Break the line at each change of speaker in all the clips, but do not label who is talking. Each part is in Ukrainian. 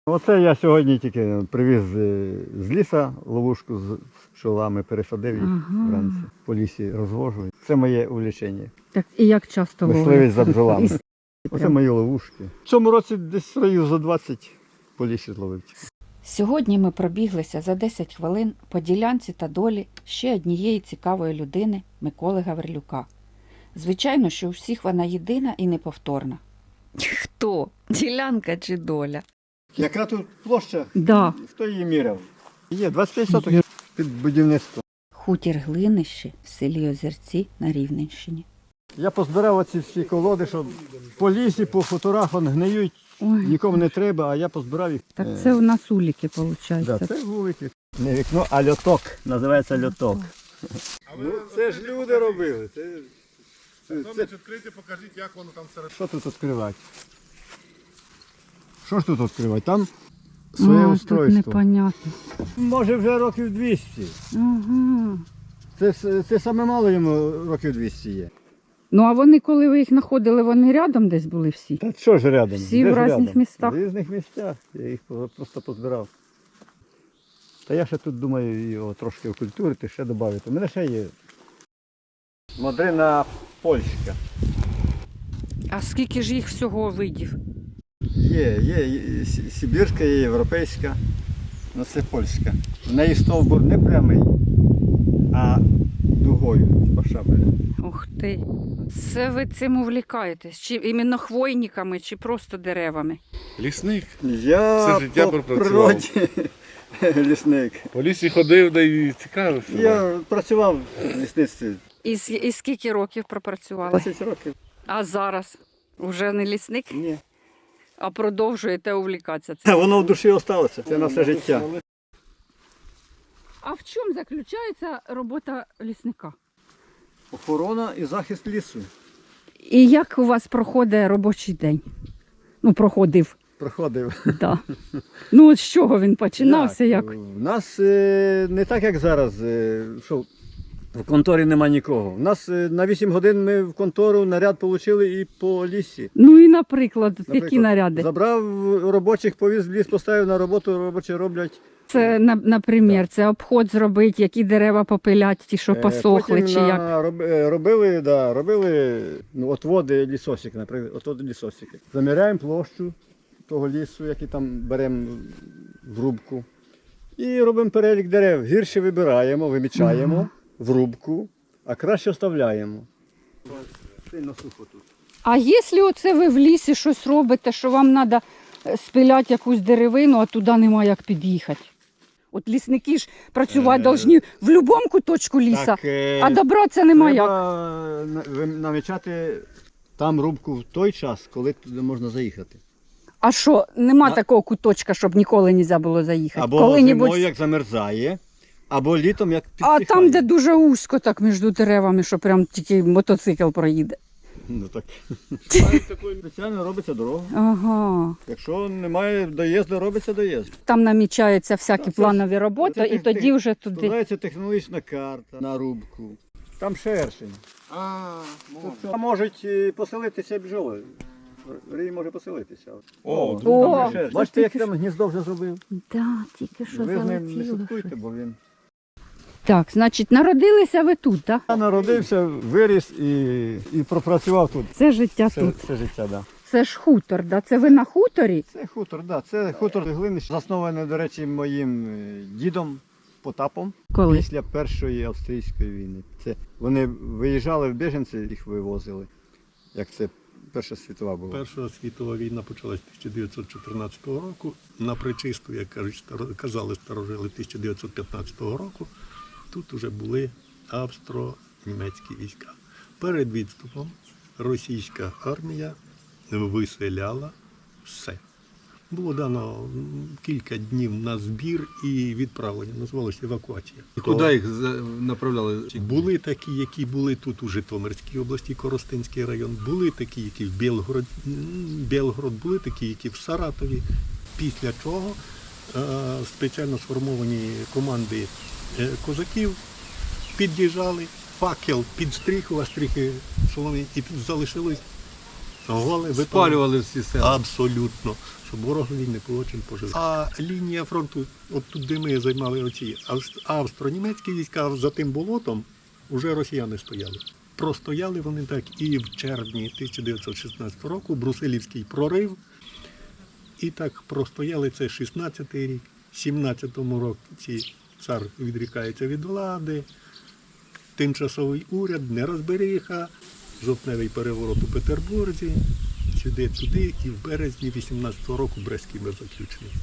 Оце я сьогодні тільки привіз з лісу ловушку з пчолами, пересадив їх вранці. По лісі розвожу. Це моє увлечення.
Так, і як часто
Мисливець за бджолами.
І-
Оце мої ловушки. В цьому році десь років за 20 по лісі зловив.
Сьогодні ми пробіглися за 10 хвилин по ділянці та долі ще однієї цікавої людини Миколи Гаврилюка. Звичайно, що у всіх вона єдина і неповторна.
Хто? Ділянка чи доля?
Яка тут площа?
Да.
Хто її міряв? Є 25 соток під будівництво.
Хутір Глинище в селі Озерці на Рівненщині.
Я позбирав оці всі колоди, що по лісі, по хуторах вони гниють,
Ой,
нікому не треба, а я позбирав їх.
так це у нас уліки, виходить.
Да, це вулики. Не вікно, а льоток. Називається льоток. Ну, це ж люди робили.
Відкрийте, покажіть, як воно там серед.
Що тут відкривати? Що ж тут відкривати? Там своє
Тут
устройство.
непонятно.
Може вже років 200.
Ага.
Це саме мало йому років 200 є.
Ну, а вони, коли ви їх знаходили, вони рядом десь були всі?
Та що ж рядом?
Всі
Де
в
ж
різних
рядом?
містах?
В різних місцях. Я їх просто позбирав. Та я ще тут думаю його трошки окультурити, ще додати. У мене ще є модрина польська.
А скільки ж їх всього видів?
Є сибірська, є європейська, але це польська. В неї стовбур не прямий, а дугою, типа шабля.
Ух ти. Це ви цим увлікаєтесь? Чи іменно хвойниками, чи просто деревами?
Лісник.
Я
Все життя
по
пропрацював.
природі лісник.
По лісі ходив, да і цікаво.
Я працював в лісництві
І скільки років пропрацювали?
20 років.
А зараз? Уже не лісник,
Ні.
а продовжуєте увлікатися цим?
Воно в душі залишилося. Це на все життя.
А в чому заключається робота лісника?
Охорона і захист лісу.
І як у вас проходить робочий день? Ну, проходив.
Проходив.
Да. Ну, от з чого він починався? Як?
У нас не так, як зараз, що в конторі нема нікого. У нас на 8 годин ми в контору наряд отримали і по лісі.
Ну і, наприклад, які наряди?
Забрав робочих, повіз в ліс, поставив на роботу, робочі роблять.
Це, наприклад, це обход зробити, які дерева попилять, ті, що посохли,
Потім
чи як?
робили отводи лісосики, наприклад, отводи лісосики. Заміряємо площу того лісу, який там беремо в рубку. І робимо перелік дерев. Гірше вибираємо, вимічаємо в рубку, а краще оставляємо. Сильно сухо тут.
А якщо оце ви в лісі щось робите, що вам треба спиляти якусь деревину, а туди немає як під'їхати? От лісники ж працювати повинні в будь-якому куточку ліса, а добратися немає як.
Треба намічати там рубку в той час, коли туди можна заїхати.
А що, нема такого куточка, щоб ніколи не можна було заїхати?
Або
Коли-небудь...
зимою, як замерзає, або літом, як
А
підсихає.
там, де дуже вузько так між деревами, що прям тільки мотоцикл проїде.
Ну так. Спеціально робиться дорога.
Ага.
Якщо немає доїзду, робиться доїзд.
Там намічаються всякі планові роботи,
Це
і тоді вже туди.
складається технологічна карта на рубку. Там шершень. Тут можуть поселитися бджоли. Рій може поселитися.
О,
О,
Шершень. Бачите, як там гніздо вже зробив?
Да, тільки що
Ви з ним не
залетіло.
шуткуйте, бо він.
Так, значить, народилися ви тут, так?
Я народився, виріс і пропрацював тут.
Це життя тут.
Все життя, да.
Це ж хутор, да? Це ви на хуторі?
Це хутор, да. Це хутор Глинищ, заснований, до речі, моїм дідом Потапом
Коли?
після Першої австрійської війни. Це вони виїжджали в біженці, їх вивозили. Як це Перша світова була.
Перша світова війна почалась 1914 року. На Пречисту, як казали старожили, 1915 року. Тут вже були австро-німецькі війська. Перед відступом російська армія виселяла все. Було дано кілька днів на збір і відправлення, називалося евакуація.
І куди їх направляли?
Були такі, які були тут у Житомирській області, Коростенський район, були такі, які в Білгород, були такі, які в Саратові. Після чого спеціально сформовані команди козаків під'їжджали, факел підстріхував, стріхи соломи, і залишилось Голи
Спалювали всі села.
абсолютно, щоб ворогові не було чим пожити. А лінія фронту, от тут, де ми займали оці австро-німецькі війська, за тим болотом вже росіяни стояли. Простояли вони так і в червні 1916 року, Брусилівський прорив, і так простояли це 16-й рік, 17-му році цар відрікається від влади, тимчасовий уряд, нерозберіха, жовтневий переворот у Петербурзі, сюди-туди, і в березні 18-го року Брестський мир заключений.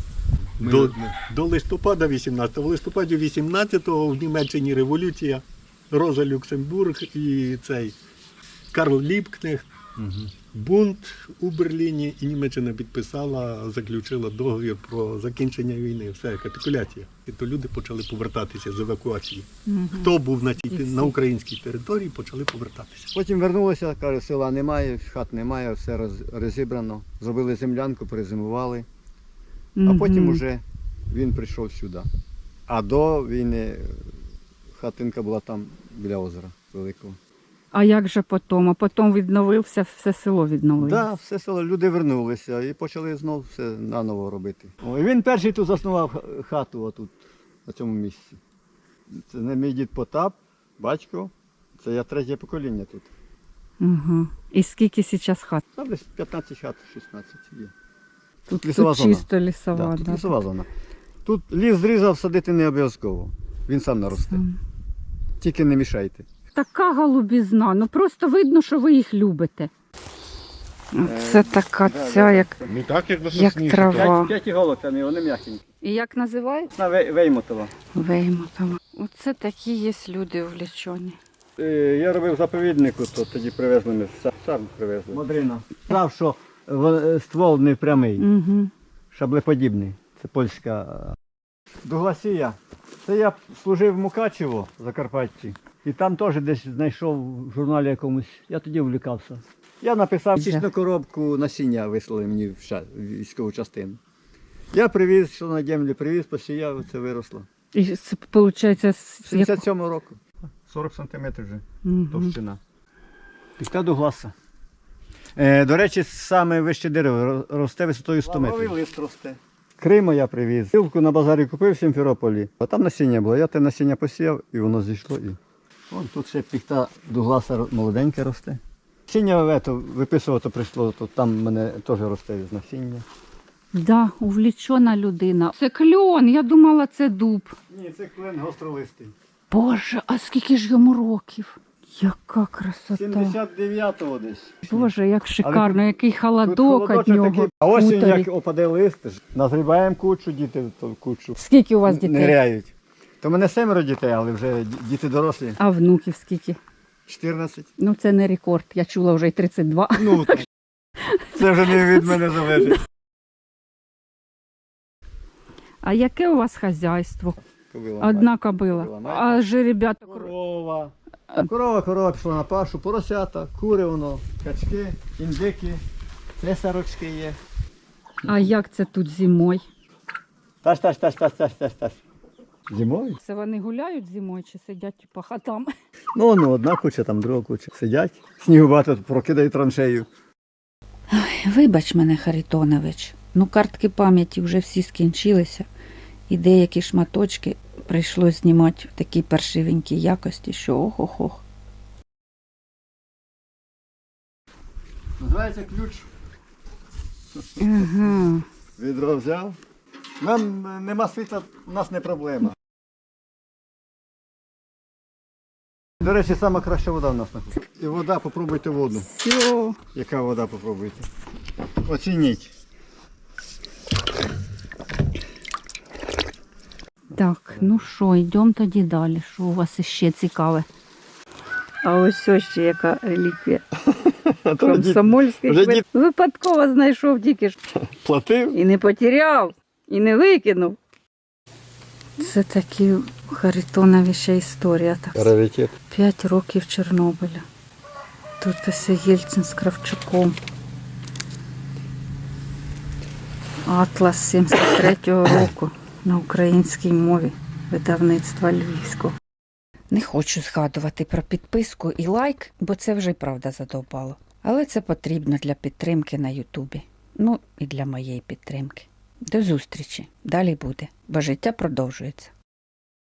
До листопада 18-го. В листопаді 18-го в Німеччині революція, Роза Люксембург і цей Карл Ліпкнехт, бунт у Берліні, і Німеччина підписала, заключила договір про закінчення війни. Все, капітуляція. І то люди почали повертатися з евакуації. Хто був на українській території, почали повертатися.
Потім вернулися, каже, села немає, хат немає, все розібрано. Зробили землянку, перезимували. А потім вже він прийшов сюди. А до війни хатинка була там біля озера великого.
А як же потім? А потім відновився, все село відновилося.
Так, все село, люди вернулися і почали знову все наново робити. І він перший тут заснував хату отут, на цьому місці. Це не мій дід Потап, батько, це я третє покоління тут.
Угу. І скільки зараз хат?
Там десь 15 хат, 16 є.
Тут,
лісова
тут
зона.
чисто лісова.
Да, тут
да.
лісова зона. Тут ліс зрізав, садити не обов'язково. Він сам наросте. Тільки не мішайте.
Така голубізна, ну просто видно, що ви їх любите. Це така ця, як
Не так, як на
Як
сосні.
трава.
П'ять іголок там, і вони м'якенькі.
І як називається?
На Веймотова.
Веймотова. Оце такі є люди увлечені.
Я робив заповіднику, то тоді привезли ми, сам привезли. Модрина. Знав, що ствол не прямий,
Угу.
шаблеподібний. Це польська. Дугласія. Це я служив в Мукачево, в Закарпатті. І там теж десь знайшов в журналі якомусь. Я тоді влюкався. Я написав чисту коробку насіння, вислали мені в військову частину. Я привіз, що на землю привіз, посіяв, це виросло.
І це, виходить,
77-го року. 40 сантиметрів вже товщина. Піка Дугласа. До речі, саме вище дерево росте висотою 100 метрів. Лавровий лист росте. Криму я привіз. Силку на базарі купив в Сімферополі. А там насіння було. Я те насіння посіяв і воно зійшло. І... Вон тут ще піхта Дугласа молоденьке росте. Насіння виписувати прийшло, то там в мене теж росте з насіння.
Да, увлечена людина. Це кльон, я думала, це дуб.
Ні, це клен гостролистий.
Боже, а скільки ж йому років? Яка красота.
79-го десь.
Боже, як шикарно, який
Тут
холодок від
холодочок
нього.
такий. А осінь,
Хуторі.
як опаде лист, назрібаємо кучу, діти то кучу.
Скільки у вас дітей?
Ниряють. То в мене 7 дітей, але вже діти дорослі.
А внуків скільки?
14.
Ну це не рекорд, я чула вже й 32.
Ну, це вже не від мене залежить.
А яке у вас хазяйство?
Кобила.
Одна кобила.
Кобила.
А жеребята?
Корова. Корова пішла на пашу, поросята, кури воно, качки, індики, цесарочки є.
А як це тут зимою?
Таш. Зимою?
Це вони гуляють зимою чи сидять по хатам?
Ну, одна куча, там друга куча. Сидять, снігу багато, прокидають траншею.
Вибач мене, Харитонович, ну картки пам'яті вже всі скінчилися, і деякі шматочки прийшлось знімати в такій паршивенькій якості, що ох-ох-ох.
Називається ключ.
Ага.
Відро взяв. Нам нема світла, у нас не проблема. До речі, сама краща вода в нас знаходиться. І вода, попробуйте воду.
Все.
Яка вода, попробуйте. Оцініть.
Так, ну що, йдемо тоді далі. Що у вас іще цікаве? А ось ще яка реліквія. Комсомольський
вже
квит. Випадково знайшов тільки ж.
Платив?
І не потеряв, і не викинув. Це такі Харитонові ще історія. Так.
Раритет.
5 років Чорнобиля. Тут ось Єльцин з Кравчуком. Атлас 73-го року на українській мові видавництва Львівського.
Не хочу згадувати про підписку і лайк, бо це вже й правда задовбало. Але це потрібно для підтримки на Ютубі. Ну і для моєї підтримки. До зустрічі. Далі буде, бо життя продовжується.